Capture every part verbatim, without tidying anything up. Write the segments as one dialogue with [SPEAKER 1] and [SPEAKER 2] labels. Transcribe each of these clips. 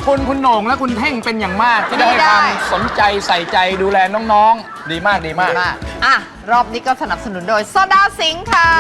[SPEAKER 1] คุณคุณโหน่งและคุณเท่งเป็นอย่างมากที่ได้ให้ความสนใจใส่ใจดูแลน้องๆดีมากดีมาก
[SPEAKER 2] อ่ะรอบนี้ก็สนับสนุนโดยโซดาสิงค์ค่ะ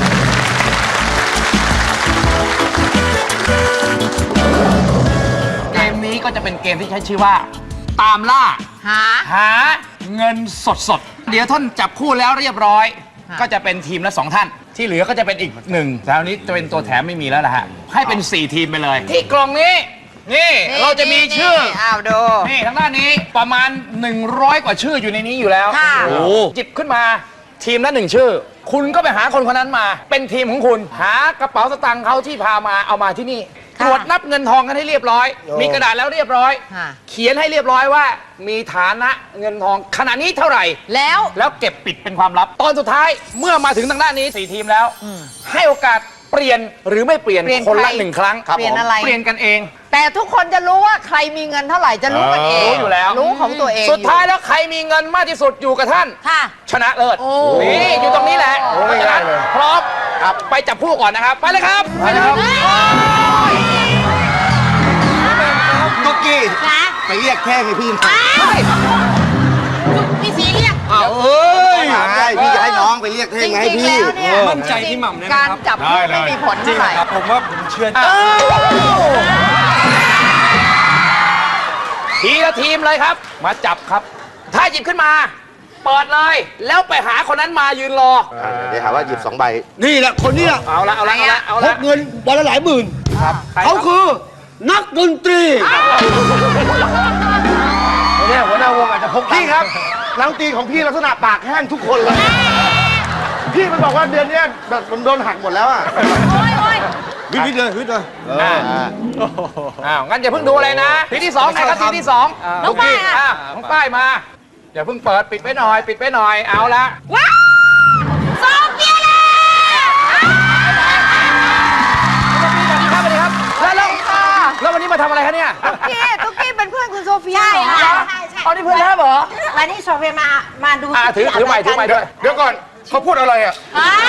[SPEAKER 1] เกมนี้ก็จะเป็นเกมที่ใช้ชื่อว่าตามล่า
[SPEAKER 2] หา
[SPEAKER 1] หาเงินสดสดเดี๋ยวท่านจับคู่แล้วเรียบร้อยก็จะเป็นทีมละสองท่านที่เหลือก็จะเป็นอีกหนึ่งแต่อันนี้จะเป็นตัวแถมไม่มีแล้วนะฮะให้เป็นสี่ทีมไปเลยที่กล่องนี้นี่เราจะมีชื่อ
[SPEAKER 2] อ้าวดู
[SPEAKER 1] นี่ทางด้านนี้ประมาณหนึ่งร้อยกว่าชื่ออยู่ในนี้อยู่แล้วโอ้จิบขึ้นมาทีมละหนึ่งชื่อคุณก็ไปหาคนคนนั้นมาเป็นทีมของคุณหากระเป๋าสตางค์เขาที่พามาเอามาที่นี่ตรวจนับเงินทองกันให้เรียบร้อยมีกระดาษแล้วเรียบร้อยเขียนให้เรียบร้อยว่ามีฐานะเงินทองขณะนี้เท่าไหร่
[SPEAKER 2] แล้ว
[SPEAKER 1] แล้วเก็บปิดเป็นความลับตอนสุดท้ายเมื่อมาถึงทางด้านนี้สี่ทีมแล้วให้โอกาสเปลี่ยนหรือไม่เปลี่ยนคนละหนึ่งครั้ง
[SPEAKER 2] เปลี่ยนอะไร
[SPEAKER 1] เปลี่ยนกันเอง
[SPEAKER 2] แต่ทุกคนจะรู้ว่าใครมีเงินเท่าไหร่จะรู้กันเอง
[SPEAKER 1] รู้อยู่แล้ว
[SPEAKER 2] รู้ของตัวเอง
[SPEAKER 1] สุดท้ายแล้วใครมีเงินมากที่สุดอยู่กับท่านชนะเลิศนี่อยู่ตรงนี้แหละเพราะฉะนั้นพร้อมไปจับผู้ก่อนนะครับไปเลยครับไปเลยครับ
[SPEAKER 3] ตุ๊กกี้ไปเรียกแค่ให้พี่มา
[SPEAKER 2] พี่สีเรียก
[SPEAKER 3] อ้าวเอ้ยพี่จะให้น้องไปเรียกแท่งให้พี่
[SPEAKER 4] มั่นใจพี่หม่ำเลย
[SPEAKER 2] การจับไม่มีผลเท่าไหร่
[SPEAKER 4] ผมว่าผมเชื่อ
[SPEAKER 1] ทีละทีมเลยครับมาจับครับถ้าหยิบขึ้นมาเปิดเลยแล้วไปหาคนนั้นมายืนรอ
[SPEAKER 3] เดี๋ยวหาว่าหยิบสองใบนี่แหละคนนี้
[SPEAKER 1] เอาละเอาละเอาละเอาละ
[SPEAKER 3] พกเงินวันละหลายหมื่นเขาคือนักดนตรี
[SPEAKER 1] เนี่ยหัวหน้าวงอาจจะพก
[SPEAKER 3] พี่ครับนักดนตรีของพี่ลักษณะปากแห้งทุกคนเลยพี่มันบอกว่าเดือนนี้แบบมันโดนหักหมดแล้วอ่ะวิทย์เลยวิทย์เลย
[SPEAKER 1] อ้าวงั้นอย่าเพิ่งดูอะไรนะทีที่สองนะครับทีที่สอง
[SPEAKER 2] น้องป้ายอ่ะ
[SPEAKER 1] น้องป้ายมาอย่าเพิ่งเปิดปิดไปหน่อยปิดไปหน่อยเอาละ
[SPEAKER 2] ว้าวโซเฟียเลย
[SPEAKER 1] สวัสดีครับสวัสดีครับแล้วแล้ววันนี้มาทำอะไรคะเนี่ย
[SPEAKER 2] ตุ๊กกี้ตุ๊กกี้เป็นเพื่อนคุณโซเฟีย
[SPEAKER 5] ใช่ค่ะ
[SPEAKER 2] ใช่
[SPEAKER 5] ใช่
[SPEAKER 1] อ๋อนี่เพื่อนแล้วเหรอ
[SPEAKER 5] วันนี้โซเฟียมามาดู
[SPEAKER 1] ถือถือใหม่ถือใหม่ด้วย
[SPEAKER 3] เดี๋ยวก่อนเขาพูดอะไรอ่ะ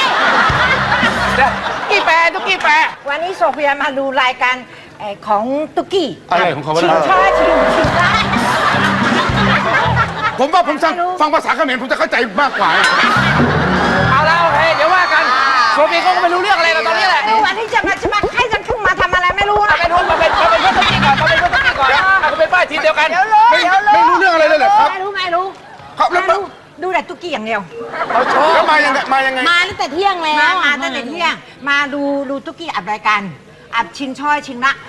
[SPEAKER 1] กี่แปรตุ๊กกี้แปร
[SPEAKER 5] วันนี้โซเฟียมาดูรายการของตุ๊กกี้
[SPEAKER 3] อะไรของเขา
[SPEAKER 5] ชิงช้าชิงชิงช้า
[SPEAKER 3] ผมว่าผมฟังภาษาเขมรผมจะเข้าใจมากกว่า
[SPEAKER 1] เอาละโอเคเดี๋ยวว่ากันโซฟีก็ไม่รู้เรื่องอะไรแล้วตอนนี้แหละ
[SPEAKER 5] วันนี้จะมาจะมาให้ฉันขึ้นมาทำอะไรไม่รู้นะ
[SPEAKER 1] ไม่รู้มาเป็นมาเป็นเพื่อนตุ๊กกี้ก่อนมาเป็นเพื่อนตุ๊กกี้ก่อนมาเป็นป้ายทีเดียวกัน
[SPEAKER 3] ไม่ไม่รู้เรื่องอะไรเลยเหรอครับ
[SPEAKER 5] ไม่รู้ไม่รู้
[SPEAKER 3] ครับแล้ว
[SPEAKER 5] ดูแต่ตุ๊กกี้อย่างเดียว
[SPEAKER 1] เขาโชว์
[SPEAKER 3] แล้วมายังไงมายังไง
[SPEAKER 5] มาตั้งแต่เที่ยงแล้วมาตั้งแต่เที่ยงมาดูดูตุ๊กกี้อัดรายการอัดชิงช้อยชิงละ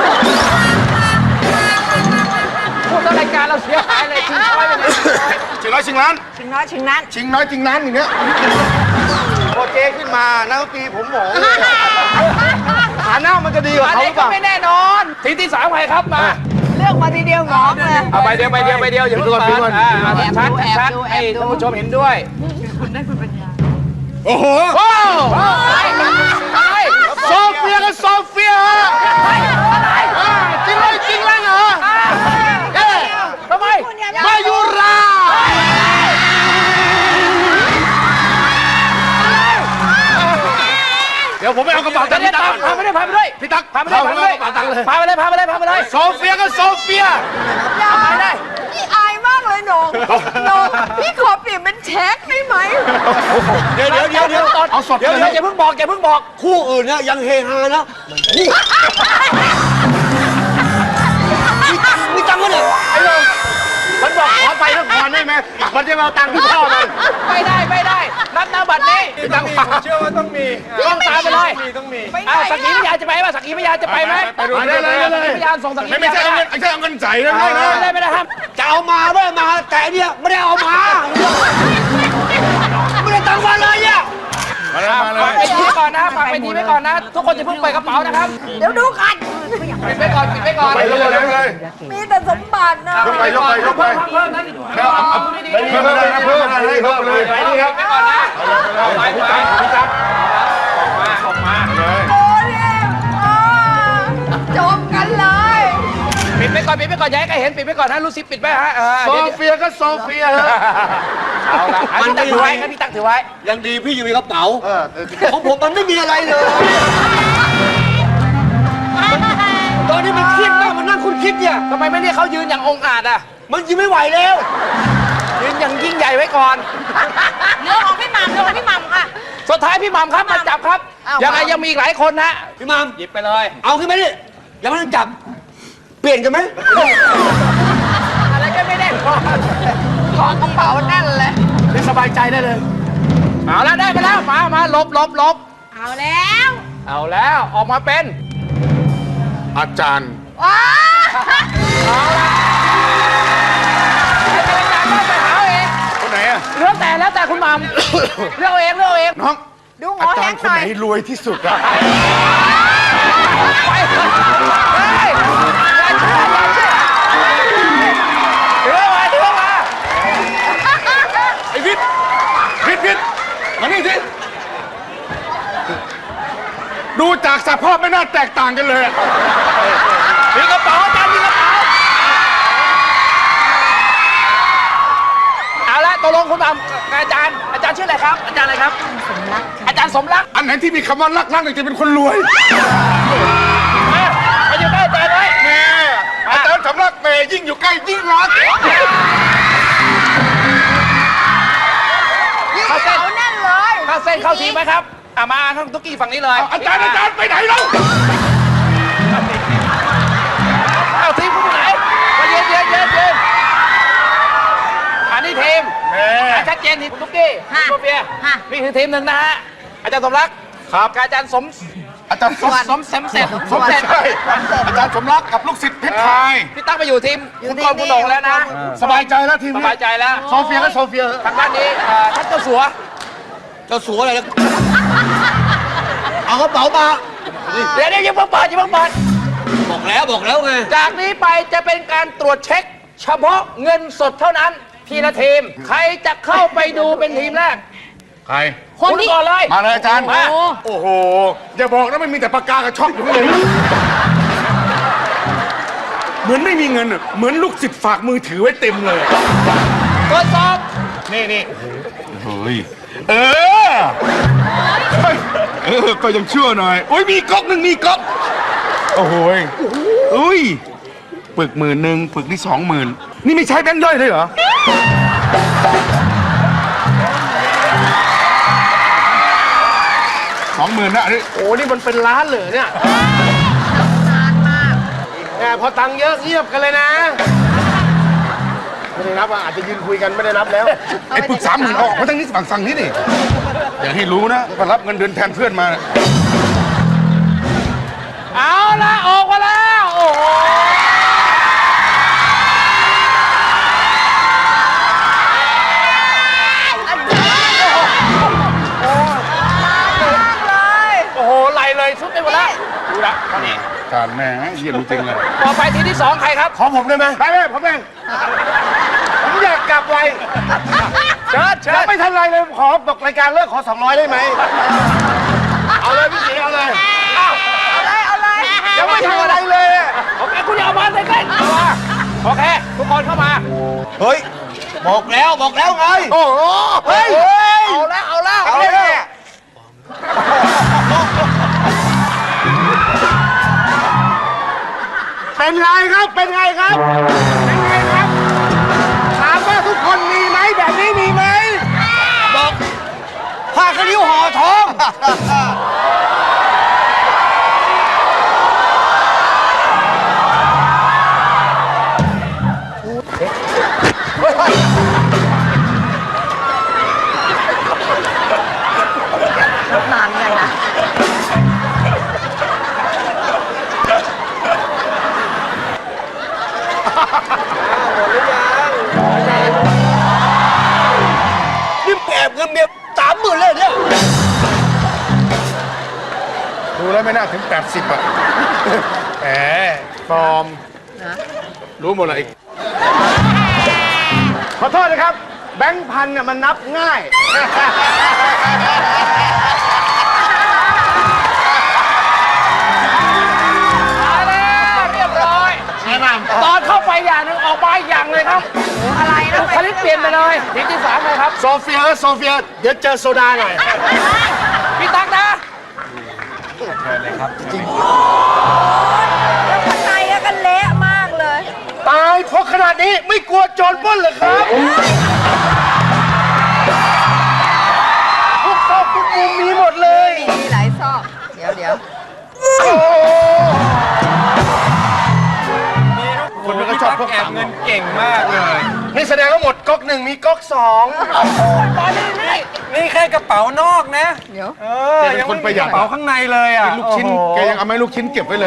[SPEAKER 1] พูดแล้วรายการเราเสียหายเลยชิงช้อยไปเลย
[SPEAKER 3] ชิงร้อยชิงล้าน
[SPEAKER 5] ชิงน้อยชิงนั้น
[SPEAKER 3] ชิงน้อยชิงล้านอย่างเงี้ยพอเจ๊ขึ้นมานักดนตรีผมหมองฐานะมันจะดีกว่าเขาหรือเปล่า
[SPEAKER 1] ไม่แน่นอนทีที่สามใครครับมา
[SPEAKER 2] เลือกมาทีเดียวหงอเลย
[SPEAKER 1] เอาไปเดียวไปเดียวไปเดียวอย่าเพิ่งเปิดชัดชัดให้ท่านผู้ชมเห็นด้วย
[SPEAKER 2] คุณได้คุณปัญญา
[SPEAKER 3] โอ้โหโซเฟียกับโซเฟียจริงเลยจริงแล้วเหรอ
[SPEAKER 1] เอ๊ะทำไม
[SPEAKER 3] มายุราเดี๋ยวผมไปเอากระเป๋าตังค์พี่ตั๊ก
[SPEAKER 1] พาไปด้วยพาไปด้วย
[SPEAKER 3] พี่ตั๊ก
[SPEAKER 1] พาไปด้วยพาไปด้วยพาไปเลยพาไปเลยพาไปเลย
[SPEAKER 3] โซเฟียกับโซเฟีย
[SPEAKER 2] เอาไปได้พี่อายมากเลยน้องน้องพี่ขอเปลี่ยนเป็นเช็คได้ไหม
[SPEAKER 3] เดี๋ยวเดี๋ยวเดี๋ยวเดี๋ยวเอาสด
[SPEAKER 1] เดี๋ยวอย่าเพิ่งบอกอย่าเพิ่งบอก
[SPEAKER 3] คู่อื่นเนี่ยยังเฮฮานะคู่มีตังค์มั้ยเนี่ยไอ้น้องมันบอกขอไปนครได้ไหมมันจะมาเอาตังค์ที่พ่อมัน
[SPEAKER 1] ไม่ได้ไม่ได้นับหน้าบัตรนี้
[SPEAKER 4] ตังค์เชื่อว่าต้องมี
[SPEAKER 1] ต้องตามไปเลย
[SPEAKER 4] ต้องมี
[SPEAKER 1] อ้าวสักขีพยานจะไปไหมสักขีพยานจะไปไหม
[SPEAKER 3] ไปเลยเลยเลย
[SPEAKER 1] พยานส่งสักขีพยาน
[SPEAKER 3] ไม่ใช่เอาเงินไม่ใช่เอาเงินใส่นะ
[SPEAKER 1] ไม่ได้ไม่ได้ครับ
[SPEAKER 3] จะเอามาไม่มาแต่เนี่ยไม่ได้เอามาไม่ได้ตังค์มาเลยเนี่ยมาเลยมาเลย
[SPEAKER 1] ไปทีไว้ก่อนนะฝากไปทีไว้ก่อนนะทุกคนจะเพิ่งเปิดกระเป๋านะครับ
[SPEAKER 2] เดี๋ยวดูกัน
[SPEAKER 1] ปิดไปก่อนปิดไปก่อน
[SPEAKER 3] ไปเลยเลย
[SPEAKER 2] มีแต่สมบัตินะ
[SPEAKER 3] ยกไปยกไปยกไป
[SPEAKER 1] เพิ่มนะ
[SPEAKER 3] เพิ่มเพิ่มเลยเพิ่มเลยเพิ่มเลย
[SPEAKER 1] ไปนี่ครับไปก่อนนะไปไปพี่จับออกมาออกมาเลย
[SPEAKER 2] โอ้ยจบกันเลย
[SPEAKER 1] ปิดไปก่อนปิดไปก่อนย้ายใครเห็นปิดไปก่อนนะรู้สิปิดไปฮะ
[SPEAKER 3] โซเฟียก็โซเฟีย
[SPEAKER 1] เอาละมันถือไว้ครับพี่ตั๊กถือไว้
[SPEAKER 3] ยังดีพี่อยู่ในกระเป๋าของผมมันไม่มีอะไรเลยตอนนี้มันเครียดมากมันนั่งคุณ
[SPEAKER 4] คิดเนี่ย
[SPEAKER 1] ทำไมไม่เรียกเขายืนอย่างองอาจอ่ะ
[SPEAKER 4] มันยืนไม่ไหวแล้ว
[SPEAKER 1] ยืนอย่างยิ่งใหญ่ไว้ก่อน
[SPEAKER 5] เรื่องของพี่หม่ำเรื่องของพี่หม่ำค่ะ
[SPEAKER 1] สุดท้ายพี่หม่ำครับมาจับครับ ยังไงยังมีอีกหลายคนนะ
[SPEAKER 4] พี่มัม
[SPEAKER 1] หยิบไปเลย
[SPEAKER 4] เอาขึ้นมาดิอย่ามานั่งจับ เปลี่ยนกันไหม
[SPEAKER 1] อะไรก็ไม่ได้พอ
[SPEAKER 2] ของกระเป๋าแน่นเลย
[SPEAKER 1] นี่สบายใจได้เลย เอาแล้วได้ไปแล้ว มามาลบลบลบ
[SPEAKER 5] เอาแล้ว
[SPEAKER 1] เอาแล้วออกมาเป็น
[SPEAKER 3] อาจารย์
[SPEAKER 2] ว้า
[SPEAKER 1] เอาละให้เป็นอาจารย์ได้ไปหาเอาเอง
[SPEAKER 3] คนไหนอะ
[SPEAKER 1] เรื่องแต่แล้วแต่คุณหมัม เรื่องเอาเองเรื่องเอาเอง
[SPEAKER 3] น้อง
[SPEAKER 2] ดูหม
[SPEAKER 3] อา
[SPEAKER 2] อ
[SPEAKER 3] จา
[SPEAKER 2] แห้
[SPEAKER 3] รง ย์
[SPEAKER 2] ห
[SPEAKER 3] คน
[SPEAKER 2] น่อ
[SPEAKER 3] ไหน
[SPEAKER 2] ย
[SPEAKER 3] รวยที่สุดอะ
[SPEAKER 1] ไปเฮ้ยอย่าเชื่ออย่าเชื่อเดี๋ยวมาเดี๋ยวมา
[SPEAKER 3] ไอ้วิทย์วิทย์วิทย์มานี่สิดูจากสภาพไม่น่าแตกต่างกันเลยอะ
[SPEAKER 1] มีกระเป๋าอาจารย์มีกระเป๋าเอาละตกลงคุณหมัมกับอาจารย์อาจารย์ชื่ออะไรครับ อาจารย์อะไรครับ อาจารย์สมรัก
[SPEAKER 3] อันไหนที่มีคำว่ารักรักเนี่ยจะเป็นคนรวย
[SPEAKER 1] มามาอยู่ใกล้อาจารย์ไว้
[SPEAKER 3] แม่อาจารย์สำรักแม่ยิ่งอยู่ใกล้ยิ่งรัก
[SPEAKER 2] ยิ่งกระเป๋าแน่นเลย
[SPEAKER 1] เข้าเส้นเข้าทีมไหมครับอ่ะมาข้างตุ๊กกี้ฝั่งนี้เลย
[SPEAKER 3] อาจารย์อาจารย์ไปไหนแล้ว
[SPEAKER 1] เอาทีมคุณไปไหนมาเย็นเย็นเย็นเย็นอันนี้ทีม
[SPEAKER 3] แม่
[SPEAKER 1] อ่ะชัดเจนทีมคุณตุ๊กกี้
[SPEAKER 5] ค่ะ
[SPEAKER 1] คุณโซเฟีย
[SPEAKER 5] ค่ะ
[SPEAKER 1] นี่คือทีมหนึ่งนะฮะอาจารย์สมรัก
[SPEAKER 3] ครับ
[SPEAKER 1] กับอาจารย์สม
[SPEAKER 3] อาจารย์ส
[SPEAKER 1] ส
[SPEAKER 3] ม
[SPEAKER 1] มสมเสมเสร็จสม
[SPEAKER 3] ไม่
[SPEAKER 1] เสร็จ
[SPEAKER 3] ใช่อาจารย์สมรักกับลูกศิษย์เพชรพาย
[SPEAKER 1] พี่ตั้งไปอยู่ทีมคุณกรณ์คุณโหน่งแล้วนะ
[SPEAKER 3] สบายใจแล้วทีม
[SPEAKER 1] ส
[SPEAKER 3] นี้
[SPEAKER 1] บายใจแล้ว
[SPEAKER 3] โซเฟียก็โซเฟีย
[SPEAKER 1] ทางด้านนี้เอ่อท่านเจ้าสัว
[SPEAKER 4] เจ้าสัวอะไรนะเอากระเป๋ามา
[SPEAKER 1] เดี๋ยวเดี๋ยวอยังเพิ่งเปิดอยังเพิ่งเปิด
[SPEAKER 4] บอกแล้วบอกแล้วไง
[SPEAKER 1] จากนี้ไปจะเป็นการตรวจเช็ค เฉพาะเงินสดเท่านั้น ทีละทีม ใครจะเข้าไปดูเป็นทีมแรก
[SPEAKER 3] ใคร
[SPEAKER 1] คนก่อนเลย
[SPEAKER 3] มาเลยอาจารย์
[SPEAKER 1] มา
[SPEAKER 3] โอ้โห อย่าบอกนะไม่มีแต่ปากกากับช็อกอยู่เลยเหมือนไม่มีเงินอะเหมือนลูกศิษย์ฝากมือถือไว้เต็มเลย
[SPEAKER 1] ตรวจสอบ
[SPEAKER 3] นี่นี่เฮ้ย เออเฮ้ยเออ ก็ยังชั่วหน่อย โอ้ยมีก๊อกหนึ่งมีก๊อก โอ้โหยอุ้ย ปึกหมื่นหนึ่งปึกนี่สองหมื่น นี่ไม่ใช้แบงค์ย่อยเลยเหรอ สองหมื่นนะอันนี้
[SPEAKER 6] โอ้นี่มันเป็นล้านเลยเนี่ยแหมพอตังค์เยอะเงียบกันเลยนะ ไม่ได้นับอ่ะอาจจะยืนคุยกันไม่ได้นับแล้ว
[SPEAKER 3] ไอ้ปึกสามหมื่นออกมาทั้งนี้ฝั่งสั่งนี้นี่อย่าให้รู้นะว่ารับเงินเดือนแทนเพื่อนมา
[SPEAKER 1] เอาละออกมาแล้ว โอ้โห โอ้โหไหลเลยสุดไปหมดแล้วดูละเท่านี้
[SPEAKER 3] การแม่เยี่ยมจริงเลย
[SPEAKER 1] ต่อไปทีมที่สองใครครับ
[SPEAKER 6] ขอผมได้ไหม
[SPEAKER 3] ไปไหมผมเองผมอยากกลับไว
[SPEAKER 1] เชิญเชิ
[SPEAKER 6] ยัง
[SPEAKER 1] ญ
[SPEAKER 6] ไม่ทันไรเลยขอบอกรายการเลิกขอสองร้อยได้ไหม เอาเลยพี่สีเอาเลย
[SPEAKER 1] อ้าว
[SPEAKER 2] เอาเลย เอาเลย
[SPEAKER 6] ยังไม่ทันอะไรเลยอะ
[SPEAKER 1] โอเคคุณอย่าเอามาใกล้ๆเอามาโอเค ทุกคนเข้ามา
[SPEAKER 4] เฮ้ย บอกแล้วบอกแล้วไง
[SPEAKER 3] โอ้โห
[SPEAKER 1] เฮ้ย เอาแล้ว เอาแล้ว
[SPEAKER 6] เอาเลย เป็นไงครับ เป็นไงครับ เป็นไงครับ ถามว่าทุกคนมีไหมแบบนี้มีไหม
[SPEAKER 4] บอกผ้าขนิ้วห่อทอง
[SPEAKER 2] นานเลยนะ
[SPEAKER 4] นี่แอบเงินเมียสามหมื่นเลยเนี่ย
[SPEAKER 3] ดูแล้วไม่น่าถึงแปดสิบอ่ะแหมปลอม รู้หมดเลย
[SPEAKER 6] ขอโทษนะครับ แบงค์พันเนี่ยมันนับง่าย
[SPEAKER 1] มาแล้วเรียบร้อยตอนเข้าไปอย่างหนึ่งออกมาอีกอย่างเลยครับ
[SPEAKER 2] อะไรนะ
[SPEAKER 1] บุคลิกเปลี่ยนไปเลยทีมที่สามเลยครับ
[SPEAKER 6] โซเฟียเออโซเฟีย เดี๋ยวเจอโซดาหน่อย
[SPEAKER 1] พี่ตั๊กนะ
[SPEAKER 2] แล้วข้างในอะกันเละมากเล
[SPEAKER 6] พกขนาดนี้ไม่กลัวโจรปล้นเหรอครับทุกซอกทุกมุมมีหมดเลย
[SPEAKER 2] มีหลายซอก เดี๋ยวเดี๋ยว
[SPEAKER 3] คนมันก็ชอบพก
[SPEAKER 4] แอ
[SPEAKER 3] ตั
[SPEAKER 4] บ
[SPEAKER 3] งค์
[SPEAKER 4] เงินเก่งมากเลย
[SPEAKER 6] นี่แสดงว่าหมดก๊อกหนึ่งมีก๊อกสอง
[SPEAKER 4] นี่แค่กระเป๋านอกนะ
[SPEAKER 2] เดี๋ยว
[SPEAKER 4] เออ
[SPEAKER 3] แกเป็นคนประหยัด
[SPEAKER 4] กระเป๋าข้างในเลยอ่ะ
[SPEAKER 3] ลูกชิ้น
[SPEAKER 4] โอ้โห
[SPEAKER 3] แกยังเอาไม้ลูกชิ้นเก็บไว้เลย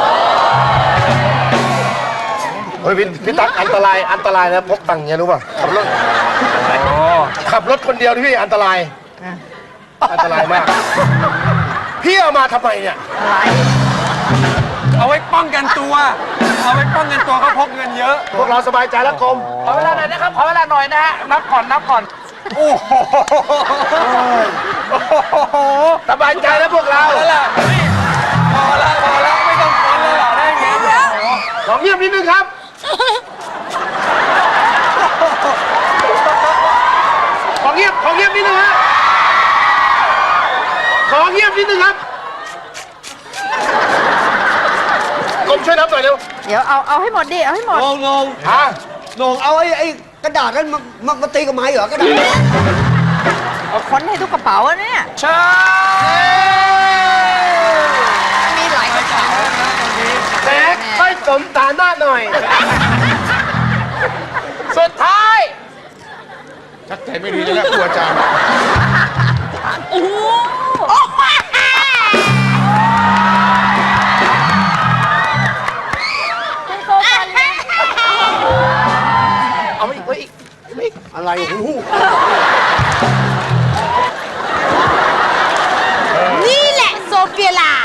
[SPEAKER 6] เฮ้ยพี่พี่ตั๊กอันตรายอันตรายนะพกตังค์เงี้ยรู้ป่ะขับรถขับรถคนเดียวที่พี่อันตรายอันตรายมาก พี่เอามาทำไมเนี่ย
[SPEAKER 2] อะไร
[SPEAKER 4] เอาไว้ป้องกันตัว เอาไว้ป้องกันตัวเขาพกเงินเยอะ
[SPEAKER 6] พวกเราสบายใจแล้วกรม
[SPEAKER 1] ขอเวลาหน่อยนะครับ ขอเวลาหน่อยนะฮะ นับก่อน นับก่อน
[SPEAKER 4] โอ้โห
[SPEAKER 6] สบายใจแล้วพวกเรา
[SPEAKER 4] แล้วล่ะนี่พอแล้วพอแล้วไม่ต้องคนแล้วล่ะได้ไงเนี่ย
[SPEAKER 6] ขอเงียบนิดนึงครับ ขอเงียบขอเงียบนิดนึงฮะขอเงียบนิดนึงครับกรมช่วยนับหน่อยเร็ว
[SPEAKER 2] เดี๋ยวเอาเอาให้หมดดิ เอาให้หมด
[SPEAKER 7] งงง
[SPEAKER 6] ฮะ
[SPEAKER 7] งงเอาไอ้ไอ้กระดาษนั้นมามามาตีกับไม้เหรอกระดาษ
[SPEAKER 2] เอาค้นให้ทุกกระเป๋าอะเนี่ย
[SPEAKER 1] ใช่
[SPEAKER 2] มีหลายกระเป๋า
[SPEAKER 6] แท็กค่อยสมฐานะหน่อย
[SPEAKER 1] สุดท้าย
[SPEAKER 3] ชักใจไม่ดีเลยนะครูอาจารย์
[SPEAKER 1] เอาอีกเอาอีก
[SPEAKER 6] อะไรโอ้โห
[SPEAKER 5] นี่แหละโซเฟียลา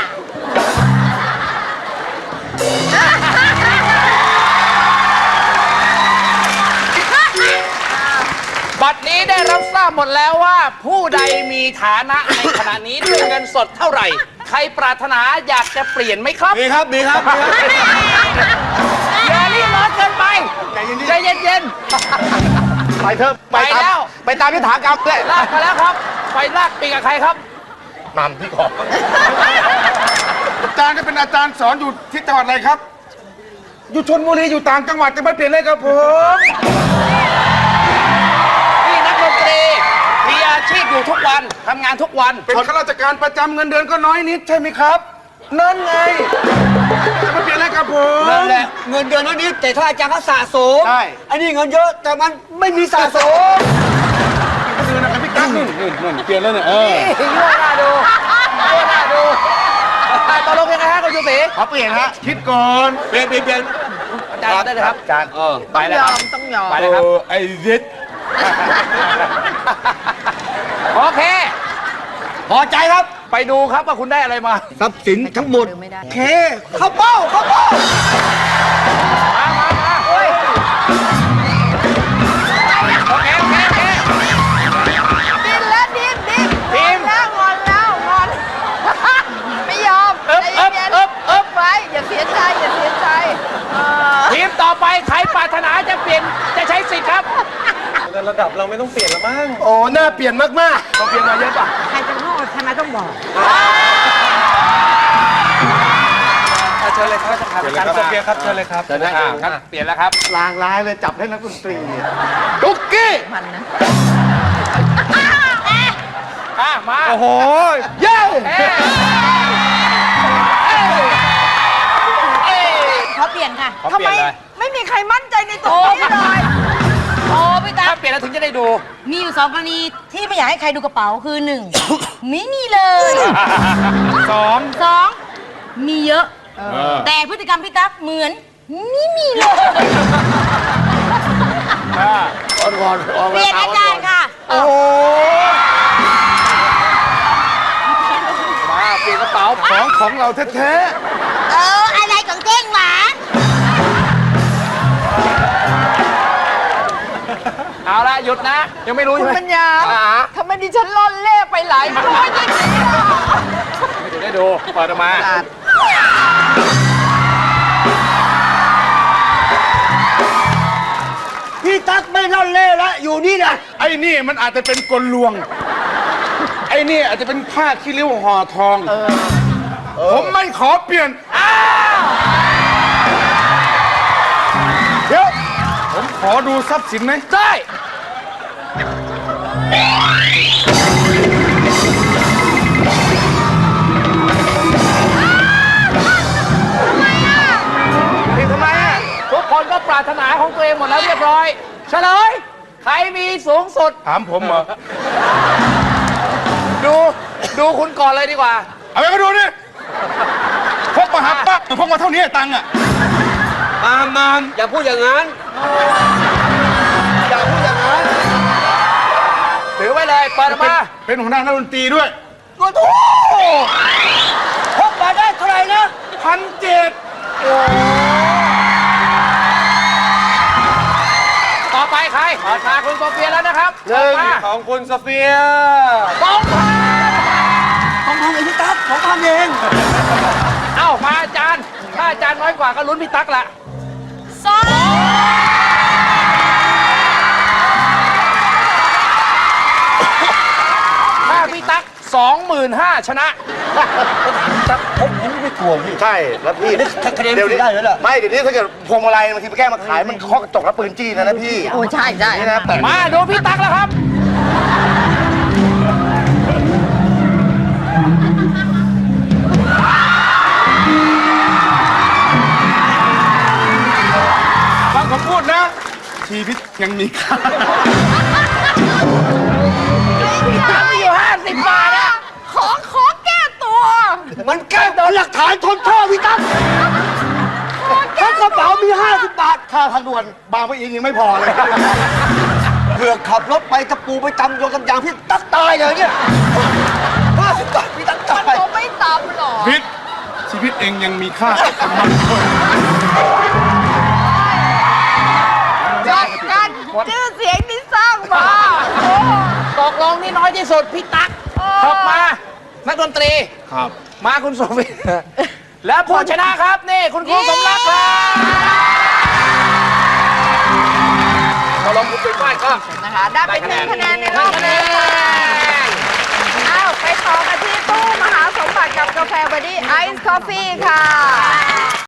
[SPEAKER 1] บัดนี้ได้รับทราบหมดแล้วว่า ผู้ใดมีฐานะในขณะนี้ด้วยเงินสดเท่าไหร่ ใครปรารถนาอยากจะเปลี่ยนไหมครับ
[SPEAKER 7] มีครับมีครับมีครับ
[SPEAKER 1] อย่ารีบร้อนเกินไป ใจเย็น
[SPEAKER 6] ไปเถอะ
[SPEAKER 1] ไปแล้ว
[SPEAKER 6] ไปตามพิธากรรมเลย
[SPEAKER 1] ๆ ลากมาแล้วครับ ไปลากปีกกับใครครับ
[SPEAKER 6] นำพี่ขอบ
[SPEAKER 3] อาจารย์ก็เป็นอาจารย์สอนอยู่ที่จังหวัดอะไรครับ อยู่ชลบุรีอยู่ต่างจังหวัดจะไม่เปลี่ยนเลยครับผม
[SPEAKER 1] นี่นักดนตรี มีอาชีพอยู่ทุกวัน ทำงานทุกวัน
[SPEAKER 3] เป็นข้าราชการประจำเงินเดือนก็น้อยนิดใช่ไหมครับ นั่นไง จะไม่เปลี่ยนเลยครับผม
[SPEAKER 7] นั่นแหละเงินเดือนน้อยนิดแต่ถ้าอาจารย์เขาสะสม
[SPEAKER 6] ใช่
[SPEAKER 7] อันนี้เงินเยอะแต่มันไม่มีสะสม
[SPEAKER 3] ก็คือนะครับพี่กั๊กนู่นนู่นนู่นเปลี่ยนแล้วเนี่ยเออ
[SPEAKER 1] ยั่วหน้าดูยั่วหน้าดูอ่ะตกลงยังไงฮะคุณชูศรี
[SPEAKER 6] ขอเปลี่ยนฮะ
[SPEAKER 3] คิดก่อน
[SPEAKER 7] เปลี่ยนเปลี่ยนเปลี่ยน
[SPEAKER 1] อาจารย์ได้เลยครับ
[SPEAKER 6] อาจารย์
[SPEAKER 7] เออ
[SPEAKER 1] ไป
[SPEAKER 2] ต้อง
[SPEAKER 1] เลย
[SPEAKER 2] ย
[SPEAKER 1] ค
[SPEAKER 2] อ
[SPEAKER 1] รับ
[SPEAKER 2] ม ต้องยอม
[SPEAKER 1] ไปเลยครับ
[SPEAKER 3] เออไอ้ยิด
[SPEAKER 1] โอเค
[SPEAKER 7] พอใจครับ
[SPEAKER 1] ไปดูครับว่าคุณได้อะไรมา
[SPEAKER 7] ทรัพย์สินทั้งหมด
[SPEAKER 2] ไม่ได้
[SPEAKER 7] เคเข้าเป้าเข้าเป้า
[SPEAKER 1] มามามาโอเคโอเคโอเค
[SPEAKER 2] ดิ้นแล้วดิ้นดิ้น
[SPEAKER 1] ทีม
[SPEAKER 2] แล้วงอนแล้วงอน ไม่ยอม
[SPEAKER 1] เอิบ
[SPEAKER 2] ใจ
[SPEAKER 1] เอิบ
[SPEAKER 2] เย็น
[SPEAKER 1] เอิบเอิบ
[SPEAKER 2] ไว้อย่าเสียใจ อย่าเสียใจเออ
[SPEAKER 1] ทีมต่อไปใครปรารถนาจะเปลี่ยนจะใช้สิทธิ์ครับ
[SPEAKER 4] ระดับเราไม่ต้องเปลี่ยนแล้วมั้ง
[SPEAKER 6] โอ้หน้าเปลี่ยนมากๆเราเปลี่ยนมาเยอะป่ะ
[SPEAKER 5] ใครจะโง่ทำไมต้องบอก
[SPEAKER 4] เชิญเลยครับอาจารย์โซเฟียครับเชิญเลยครับ
[SPEAKER 6] เชิญนะ
[SPEAKER 1] อ่าครับเปลี่ยนแล้วครับ
[SPEAKER 6] ลางร้ายเลยจับให้นักดนตรีดุกกี้
[SPEAKER 2] มันนะ
[SPEAKER 1] อ่ะมา
[SPEAKER 4] โอ้โห
[SPEAKER 6] เย้
[SPEAKER 1] เอ้ยเอ้ยเอ้ย
[SPEAKER 5] เขาเปลี่ยนค่ะ
[SPEAKER 1] ขอ
[SPEAKER 2] ทำ
[SPEAKER 1] เปลี่
[SPEAKER 2] ไม
[SPEAKER 1] ยนเลย
[SPEAKER 2] ไม่มีใครมั่นใจในตัวนี้เลย
[SPEAKER 5] โอ้พี่ตา
[SPEAKER 1] ถ้าเปลี่ยนแล้วถึงจะได้ดู
[SPEAKER 5] มีอยู่สองกรณีที่ไม่อยากให้ใครดูกระเป๋าคือหนึ่ง ไม่มีเลย
[SPEAKER 1] สอง
[SPEAKER 5] สองมีเยอะ แต่พฤติกรรมพี่ตั๊กเหมือนไม่มีเลย
[SPEAKER 6] อ่อนก่อนออก
[SPEAKER 5] เปลี่ยนอาจารย์ค่ะ
[SPEAKER 1] โอ้มาเปลี่ยนกระเป๋า
[SPEAKER 3] ของของเราแท้
[SPEAKER 5] เออ อะไรของเจ้งหวาน
[SPEAKER 1] เอาละหยุดนะ ยังไม่รู้
[SPEAKER 2] คุ
[SPEAKER 1] ใช่
[SPEAKER 2] ณ
[SPEAKER 1] ไหม
[SPEAKER 2] ปัญญา
[SPEAKER 1] อ่า
[SPEAKER 2] ทำไมดิฉันล่อนเล่ไปหลายร้อยอย่างนี้ล่ะ
[SPEAKER 1] ไม่ถึงได้ดูเปิดออกมา
[SPEAKER 7] พี่ตั๊กไม่ล่อนเล่แล้วอยู่นี่นะ
[SPEAKER 3] ๆไอ้นี่มันอาจจะเป็นกลลวง ไอ้นี่อาจจะเป็นผ้าขี้ริ้วห่อทอง ผมไม่ขอเปลี่ยน
[SPEAKER 6] เดี๋ยว
[SPEAKER 3] ผมขอดูทรัพย์สินไหม
[SPEAKER 1] ได้
[SPEAKER 6] พี่ทำไมอ่ะ
[SPEAKER 1] ทุกคนก็ปรารถนาของตัวเองหมดแล้วเรียบร้อย เฉลย ใครมีสูงสุด
[SPEAKER 3] ถามผมเหรอ
[SPEAKER 1] ดู ดูคุณก่อนเลยดีกว่า
[SPEAKER 3] เอาไปมาดูดิพกมาหาปั๊บพกมาเท่านี้ตังค์อ่ะ
[SPEAKER 7] มามมามอย่าพูดอย่างนั้น อย่าพูดอย่างนั้น
[SPEAKER 1] ถือไว้เลย เปิดออกมา
[SPEAKER 3] เป็นหัวหน้านักดนตรีด้วย
[SPEAKER 7] โอ้โหพกมาได้เท่าไหร่นะ
[SPEAKER 3] พันเจ็ด
[SPEAKER 1] ต่อไปใครขอชาคุณโซเฟียแล้วนะครับเปิดมา
[SPEAKER 4] ของคุณโซเฟีย
[SPEAKER 1] สองพัน
[SPEAKER 7] ของพันเองพี่ตั๊กของพันเอง
[SPEAKER 1] เอ้ามาอาจารย์ ถ้าอาจารย์น้อยกว่าก็ลุ้นพี่ตั๊กละ
[SPEAKER 2] สอง
[SPEAKER 1] ถ้าพี่ตั๊กสองหมื่นห้าชนะ
[SPEAKER 7] ผมไม่กลัวพี่
[SPEAKER 6] ใช่ แล้วพี่
[SPEAKER 7] คะแนน
[SPEAKER 6] เดี๋ยวนี้
[SPEAKER 7] ได้แล้วเหรอ
[SPEAKER 6] ไม่ เดี๋ยวนี้ถ้าเกิดพวงมาลัยบางทีไปแก้มาขายมันเคาะกระจกแล้วปืนจี้นะนะพี่
[SPEAKER 2] โอ้ใช่ใช่
[SPEAKER 6] นี่นะแต่
[SPEAKER 1] มาดูพี่ตั๊กแล้วครับ
[SPEAKER 3] ฟังผมพูดนะ ชีวิตยังมีค่า
[SPEAKER 1] ตั๊กมีอยู่ห้าสิบบาทอะ
[SPEAKER 2] ขอขอแก้ตัว
[SPEAKER 7] มันแก้โดนหลักฐานทนโทษพี่ตั๊กถ้ากระเป๋ามีห้าสิบบาท
[SPEAKER 6] ค่าทางด่วนบางปะอินยังไม่พอเลย
[SPEAKER 7] เผื่อขับรถไปตะปูไปจำโยนกำยางพี่ตั๊กตายเลยเนี่ยห้าสิบบาทพี่ตั๊กตา
[SPEAKER 2] มัน
[SPEAKER 7] ย
[SPEAKER 2] คงไม่ตามหรอก
[SPEAKER 3] พิษชีวิตเองยังมีค่า
[SPEAKER 2] จัดการชื่อเสียงที่สร้างมาโอ้
[SPEAKER 1] ตกลงนี่น้อยที่สุดพี่ตั๊กถกมา นักดนตรี
[SPEAKER 3] ครับ
[SPEAKER 1] มาคุณโซเฟียและผู้ชนะครับนี่คุณครูสมรักครับพอลงคุณเป็นฝ้ายก็
[SPEAKER 2] นะคะได้ไปหนึ่งคะแนนในรอบ
[SPEAKER 1] คะแน
[SPEAKER 2] นี้ค่ะ
[SPEAKER 1] น
[SPEAKER 2] อ้าวไปต่อกันที่ตู้มหาสมบัติกับกาแฟบอดี้ไอซ์คอฟฟี่ค่ะ